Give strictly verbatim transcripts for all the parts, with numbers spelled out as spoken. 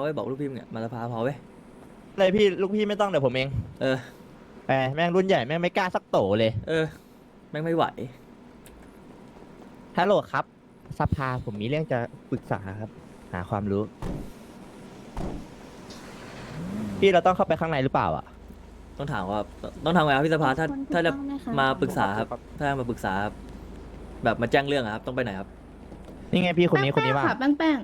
ไว้บอกลูกพี่มึงอะมาสภาพอไว้เลยพี่ลูกพี่ไม่ต้องเดี๋ยวผมเองเออแหมแม่งรุ่นใหญ่แม่งไม่กล้าสักโตเลยเออแม่งไม่ไหวฮัลโหลครับสภาผมมีเรื่องจะปรึกษาครับหาความรู้พี่เราต้องเข้าไปข้างในหรือเปล่าอ่ะต้องถามว่าต้องทำไงครับพี่สภาถ้าถ้าจะมาปรึกษาครับครับถ้ามาปรึกษาครับแบบมาแจ้งเรื่องอะครับต้องไปไหนครับนี่ไงพี่คนนี้คนนี้ว่าค่ะแป้งแป้ง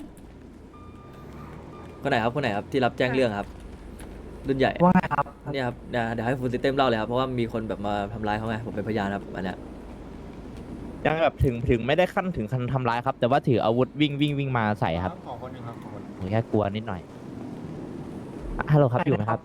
คนไหนครับคนไหนครับที่รับแจ้งเรื่องครับ รุ่นใหญ่ว่าไงครับเนี่ยครับเดี๋ยวเดี๋ยวให้ฟูลซิสเต็มเล่าเลยครับเพราะว่ามีคนแบบมาทำร้ายเขาไงผมเป็นพยานครับอันเนี้ยยังแบบถึงถึงไม่ได้ขั้นถึงขั้นทำร้ายครับ แต่ว่าถืออาวุธวิ่งวิ่งวิ่งมาใส่ครับขอคนหนึ่งครับขอคนผมแค่กลัวนิดหน่อยอ่ะฮัลโหลครับอยู่ไหมครับ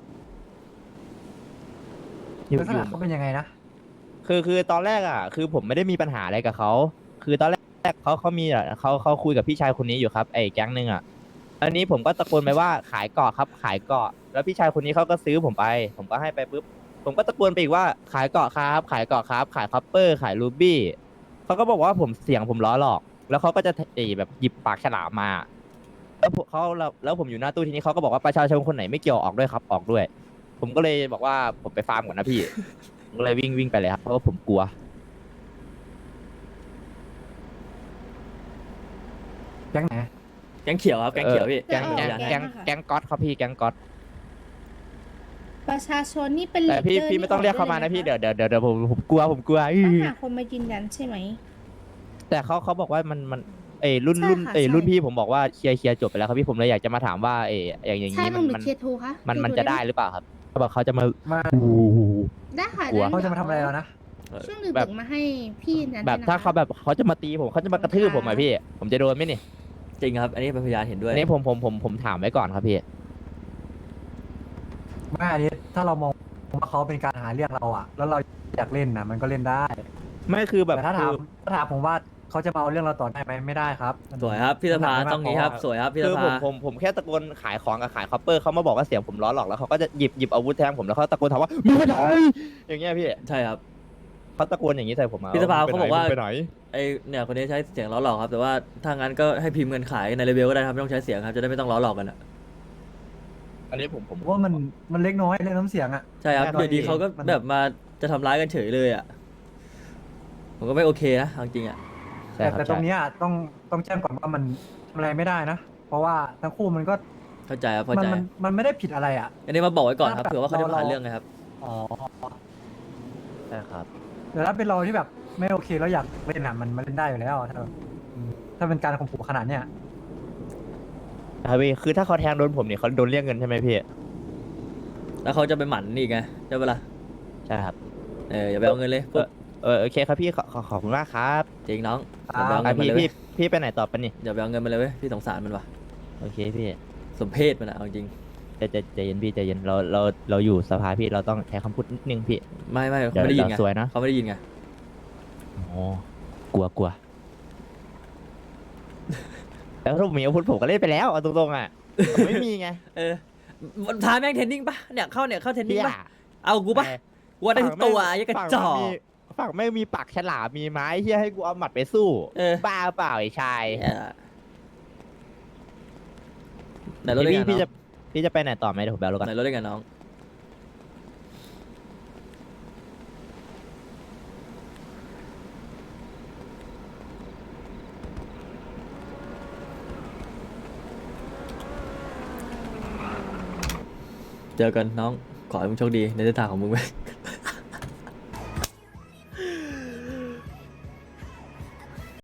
อยู่ลักษอยู่ณะเขาเป็นยังไงนะคือคือตอนแรกอ่ะ คือผมไม่ได้มีปัญหาอะไรกับเขาคือตอนแรกเขาเขามีอ่ะเขาเขาคุยกับพี่ชายคนนี้อยู่ครับไอ้แก๊งหนึ่งอ่ะอันนี้ผมก็ตะโกนไปว่าขายเกาะครับ ขายเกาะแล้วพี่ชายคนนี้เขาก็ซื้อผมไป ผมก็ให้ไปปุ๊บผมก็ตะโกนไปอีกว่าขายเกาะครับ ขายเกาะครับ ขายคอปเปอร์ขายรูบี้เขาก็บอกว่าผมเสียงผมล้อหลอก แล้วเขาก็จะเอ่อแบบหยิบปากฉลามมา แล้วผมเขาแล้วแล้วผมอยู่หน้าตู้ทีนี้เขาก็บอกว่าประชาชนคนไหนไม่เกี่ยวออกด้วยครับออกด้วย ผมก็เลยบอกว่าผมไปฟาร์มก่อนนะพี่ ผมก็เลยวิ่งวิ่งไปเลยครับเพราะว่าผมกลัวแก๊งไหนแก๊งเขียวครับแก๊งเขียวพี่แก๊งแก๊งพยานให้แก๊งแก๊งก๊อตครับพี่แก๊งก๊อตประชาชนนี่เป็นแต่พี่ leader พี่ไม่ต้องเรียกเขามานะพี่เดี๋ยวเดี๋ยวเดี๋ยวเดี๋ยวผมผมกลัวผมกลัวต้อื้องอหาคนมายืนยันใช่ไหมแต่เขาเขาบอกว่ามันมันเอยรุ่นใช่รุ่นค่ะเอยใช่รุ่นพี่ผมบอกว่าเคลียร์เคลียร์จบไปแล้วครับพี่ผมเลยอยากจะมาถามว่าเอยอย่างอย่างใช่นี้หมันุ่นมหรือมันเคทูคะมันมันเคทูจะได้หรือเปล่าครับเขาบอกเขาจะมามาโอ้โหได้ค่ะกลัวงั้นเขาจะดี๋ยวมาทำอะไรเรานะช่วงดึแบบกๆมาให้พี่นั้นแบบด้วยนะคะถ้าเขาแบบเขาจะมาตีผมเขาจะมากระทืบผมอะพี่ ผมจะโดนไหมนี่จริงครับ อันนี้เป็นพยานเห็นด้วยอันนี้ผมผมผมผมถามไว้ก่อนครับพี่ไม่อันนี้ถ้าเรามองว่าเขาเป็นการหาเรื่องเราอะแล้วเราอยากเล่นนะมันก็เล่นได้ไม่คือแบบแต่ถ้าถามคือถ้าถามผมว่าเขาจะมาเอาเรื่องเราต่อได้ไหมไม่ได้ครับสวยครับพี่สภามันหนักมกต้องนี้ครับพสวยครับพี่สคือผภามผมผมแค่ตะโกนขายของกับขายคอปเปอร์เขามาบอกว่าเสียงผมล้อหลอกแล้วเขาก็จะหยิบหยิบอาวุธแทงผมแล้วเขาตะโกนถามว่ามึงไปไหนอย่างเงี้ยพี่ใช่ครับเขาตะโกนอย่างนี้ใส่ผมมาพี่สภามึงเขาบอกว่ามึงไปไหนไอเนี่ยคนนี้ใช้เสียงล้อหลอกครับแต่ว่าถ้างั้นก็ให้พิมพ์เงินขายในเลเวลก็ได้ครับไม่ต้องใช้เสียงครับจะได้ไม่ต้องล้อหลอกกันอ่ะอันนี้ผมผมผมว่ามันมันเล็กน้อยเรื่องน้ำเสียงอะใช่ครับแน่นอนอยู่ดีเขาก็มันแบบมาจะทำร้ายกันเฉยเลยอ่ะผมก็ไม่โอเคนะเอาจริงอ่ะใช่แต่ครับแต่ตรงใช่เนี้ยต้องต้องแจ้งก่อนว่ามันทำอะไรไม่ได้นะ เพราะว่าทั้งคู่มันก็เข้าใจครับเข้ามันใจมันมันไม่ได้ผิดอะไรอะอันนี้มาบอกไว้ก่อนครับถ้าแบบเผื่อว่าเขาจะมาเราหาเรื่องไงครับอ๋อใช่ครับแต่ถ้าเป็นเราที่แบบไม่โอเคแล้วอยากเล่นอะมันมันเล่นได้อยู่แล้วถ้าอืมถ้าเป็นการข่มขู่ขนาดเนี้ยครับพี่คือถ้าเขาแทงโดนผมเนี่ยเขาโดนเรียกเงินใช่ไหมพี่แล้วเขาจะไปหมั่นนี่ไงใช่ปะล่ะใช่ครับเอออย่าไปเอาเงินเลยปุ๊บเออโอเคครับพี่ขอขอขอบคุณมากครับจริงน้องครัอย่าบไปเอาเงิอ่ะนมันพี่เลยเว้ยพี่พี่ไปไหนต่อปะนี่อย่าไปเอาเงินมันเลยเว้ยพี่สงสารมันว่ะโอเคพี่สมเพศมันอะเอาจริงใจใจใจเย็นพี่ใจเย็นเราเราเราอยู่สภาพี่เราต้องใช้คำพูดนิดนึงพี่ไม่ไม่เดี๋เขายวไม่ได้ยินไงเดี๋ยวสวยนะเขาไม่ได้ยินไงโอ้กลัวกลัว แล้วถ้าผมมีอาวุธผมก็เล่นไปแล้วเอาตรงๆอ่ะผมไม่มีไงเออมันท้าแม่งเทรนนิ่งปะเนี่ยเข้าเนี่ยเข้าเทรนนิ่งพี่ปะอะเอากูปะกูว่าได้ทุกตัวยังกระจอกฝั่งไม่มีปากฉลามมีไม้ที่ให้กูเอาหมัดไปสู้เออบ้าเปล่าไอ้ชายเออไหนรถได้พี่ไงพี่น้จะองพี่จะไปไหนต่อไหมเดี๋ยวผมไปเอารถก่อนไหนรถได้ไงน้องเจอกันน้องขอให้มึงโชคดีในเส้นทางของมึงไป